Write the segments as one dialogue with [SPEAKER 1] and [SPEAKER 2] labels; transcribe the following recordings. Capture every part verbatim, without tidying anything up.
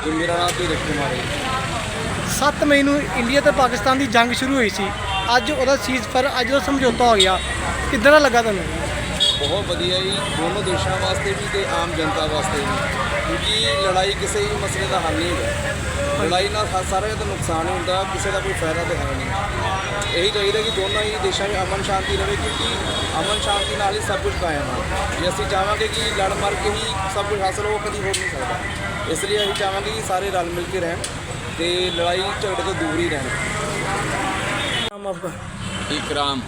[SPEAKER 1] ਤੇ ਮੇਰਾ ਨਾਮ ਧੀਰਜ ਕੁਮਾਰ ਹੈ।
[SPEAKER 2] ਸੱਤ ਮਈ ਨੂੰ ਇੰਡੀਆ ਤੇ ਪਾਕਿਸਤਾਨ ਦੀ ਜੰਗ ਸ਼ੁਰੂ ਹੋਈ ਸੀ। ਅੱਜ ਉਹਦਾ ਸੀਜ਼ਫਾਇਰ, ਅੱਜ ਦਾ ਸਮਝੌਤਾ ਹੋ ਗਿਆ, ਕਿੱਦਾਂ ਦਾ ਲੱਗਾ ਤੁਹਾਨੂੰ?
[SPEAKER 1] ਬਹੁਤ ਵਧੀਆ ਜੀ, ਦੋਨੋਂ ਦੇਸ਼ਾਂ ਵਾਸਤੇ ਵੀ ਤੇ ਆਮ ਜਨਤਾ ਵਾਸਤੇ ਵੀ, ਕਿਉਂਕਿ ਲੜਾਈ ਕਿਸੇ ਵੀ ਮਸਲੇ ਦਾ ਹੱਲ ਨਹੀਂ ਹੁੰਦਾ। ਲੜਾਈ ਨਾਲ ਹ- ਸਾਰਿਆਂ ਦਾ ਨੁਕਸਾਨ ਹੀ ਹੁੰਦਾ, ਕਿਸੇ ਦਾ ਕੋਈ ਫਾਇਦਾ ਤਾਂ ਹੈ ਨਹੀਂ। ਇਹੀ ਚਾਹੀਦਾ ਕਿ ਦੋਨਾਂ ਹੀ ਦੇਸ਼ਾਂ ਵਿੱਚ ਅਮਨ ਸ਼ਾਂਤੀ ਰਹੇ, ਕਿਉਂਕਿ ਅਮਨ ਸ਼ਾਂਤੀ ਨਾਲ ਹੀ ਸਭ ਕੁਝ ਕਾਇਮ ਹੈ। ਜੇ ਅਸੀਂ ਚਾਹਾਂਗੇ ਕਿ ਲੜ ਮਰ ਕੇ ਹੀ ਸਭ ਕੁਝ ਹਾਸਲ ਹੋ, ਕਦੀ ਹੋ ਨਹੀਂ ਸਕਦਾ। ਇਸ ਲਈ ਅਸੀਂ ਚਾਹਾਂਗੇ ਕਿ ਸਾਰੇ ਰਲ ਮਿਲ ਕੇ ਰਹਿਣ ਤੇ ਲੜਾਈ ਝਗੜੇ ਤੋਂ ਦੂਰ ही रहना।
[SPEAKER 2] नाम आपका?
[SPEAKER 3] इकराम।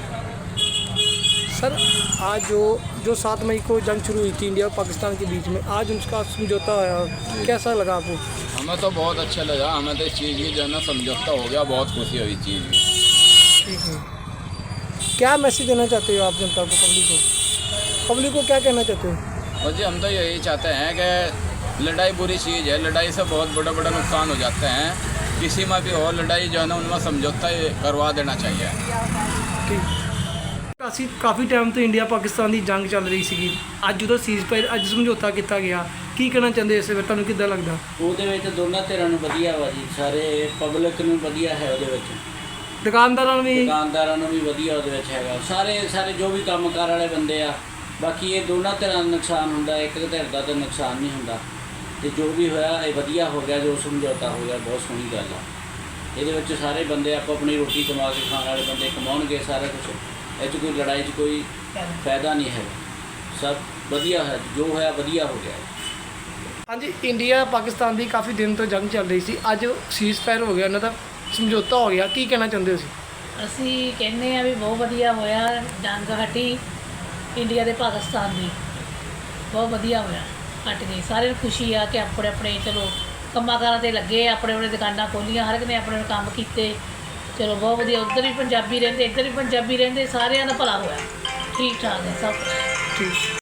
[SPEAKER 2] सर, आज जो जो सात मई को जंग शुरू हुई थी इंडिया और पाकिस्तान के बीच में, आज उनका समझौता आया, कैसा लगा आपको?
[SPEAKER 3] हमें तो बहुत अच्छा लगा, हमें तो इस चीज़ की जो है ना समझौता हो गया, बहुत खुशी हुई चीज़ की।
[SPEAKER 2] ठीक है, क्या मैसेज देना चाहते हो आप जनता को, पब्लिक को पब्लिक को क्या कहना चाहते हो?
[SPEAKER 3] और जी हम तो यही चाहते हैं कि लड़ाई बुरी चीज़ है, लड़ाई से बहुत बड़ा बड़ा नुकसान हो जाते हैं। किसी में भी हो लड़ाई जो है ना, उनमें समझौता करवा देना चाहिए।
[SPEAKER 2] ठीक, ਅਸੀਂ ਕਾਫੀ ਟਾਈਮ ਤੋਂ ਇੰਡੀਆ ਪਾਕਿਸਤਾਨ ਦੀ ਜੰਗ ਚੱਲ ਰਹੀ ਸੀਗੀ। ਅੱਜ ਉਹਦਾ ਸੀਜ਼ਫਾਇਰ, ਅੱਜ ਸਮਝੌਤਾ ਕੀਤਾ ਗਿਆ, ਕੀ ਕਹਿਣਾ ਚਾਹੁੰਦੇ ਇਸ ਵੇਲੇ, ਤੁਹਾਨੂੰ ਕਿੱਦਾਂ ਲੱਗਦਾ?
[SPEAKER 4] ਉਹਦੇ ਵਿੱਚ ਦੋਨਾਂ ਧਿਰਾਂ ਨੂੰ ਵਧੀਆ ਵਾ ਜੀ, ਸਾਰੇ ਪਬਲਿਕ ਨੂੰ ਵਧੀਆ ਹੈ ਉਹਦੇ ਵਿੱਚ,
[SPEAKER 2] ਦੁਕਾਨਦਾਰਾਂ ਨੂੰ ਵੀ?
[SPEAKER 4] ਦੁਕਾਨਦਾਰਾਂ ਨੂੰ ਵੀ ਵਧੀਆ ਉਹਦੇ ਵਿੱਚ ਹੈਗਾ, ਸਾਰੇ ਸਾਰੇ ਜੋ ਵੀ ਕੰਮਕਾਰ ਵਾਲੇ ਬੰਦੇ ਆ। ਬਾਕੀ ਇਹ ਦੋਨਾਂ ਧਿਰਾਂ ਦਾ ਨੁਕਸਾਨ ਹੁੰਦਾ, ਇੱਕ ਧਿਰ ਦਾ ਤਾਂ ਨੁਕਸਾਨ ਨਹੀਂ ਹੁੰਦਾ। ਤੇ ਜੋ ਵੀ ਹੋਇਆ ਇਹ ਵਧੀਆ ਹੋ ਗਿਆ, ਜੋ ਸਮਝੌਤਾ ਹੋ ਗਿਆ, ਬਹੁਤ ਸੋਹਣੀ ਗੱਲ ਆ। ਇਹਦੇ ਵਿੱਚ ਸਾਰੇ ਬੰਦੇ ਆਪੋ ਆਪਣੀ ਰੋਟੀ ਕਮਾ ਕੇ ਖਾਣ ਵਾਲੇ ਬੰਦੇ ਕਮਾਉਣਗੇ ਸਾਰਾ ਕੁਛ। ਇਹ 'ਚ ਕੋਈ ਲੜਾਈ 'ਚ ਕੋਈ ਫਾਇਦਾ ਨਹੀਂ ਹੈਗਾ, ਸਭ ਵਧੀਆ ਹੈ, ਜੋ ਹੋਇਆ ਵਧੀਆ ਹੋ ਗਿਆ।
[SPEAKER 2] ਹਾਂਜੀ, ਇੰਡੀਆ ਪਾਕਿਸਤਾਨ ਦੀ ਕਾਫੀ ਦਿਨ ਤੋਂ ਜੰਗ ਚੱਲ ਰਹੀ ਸੀ, ਅੱਜ ਸੀਜ਼ਫਾਇਰ ਹੋ ਗਿਆ, ਉਹਨਾਂ ਦਾ ਸਮਝੌਤਾ ਹੋ ਗਿਆ, ਕੀ ਕਹਿਣਾ ਚਾਹੁੰਦੇ ਹੋ ਤੁਸੀਂ?
[SPEAKER 5] ਅਸੀਂ ਕਹਿੰਦੇ ਆ ਵੀ ਬਹੁਤ ਵਧੀਆ ਹੋਇਆ, ਜੰਗ ਹਟੀ ਇੰਡੀਆ ਤੇ ਪਾਕਿਸਤਾਨ ਦੀ, ਬਹੁਤ ਵਧੀਆ ਹੋਇਆ, ਹਟ ਗਈ। ਸਾਰਿਆਂ ਨੂੰ ਖੁਸ਼ੀ ਆ ਕਿ ਆਪਣੇ ਆਪਣੇ ਚਲੋ ਕੰਮਾਂ ਕਾਰਾਂ 'ਤੇ ਲੱਗੇ, ਆਪਣੇ ਆਪਣੇ ਦੁਕਾਨਾਂ ਖੋਲ੍ਹੀਆਂ, ਹਰ ਇੱਕ ਨੇ ਆਪਣੇ ਆਪਣੇ ਕੰਮ ਕੀਤੇ, ਚਲੋ ਬਹੁਤ ਵਧੀਆ। ਉੱਧਰ ਵੀ ਪੰਜਾਬੀ ਰਹਿੰਦੇ, ਇੱਧਰ ਵੀ ਪੰਜਾਬੀ ਰਹਿੰਦੇ, ਸਾਰਿਆਂ ਦਾ ਭਲਾ ਹੋਇਆ, ਠੀਕ ਠਾਕ ਹੈ ਸਭ ਕੁਛ।
[SPEAKER 2] ਠੀਕ।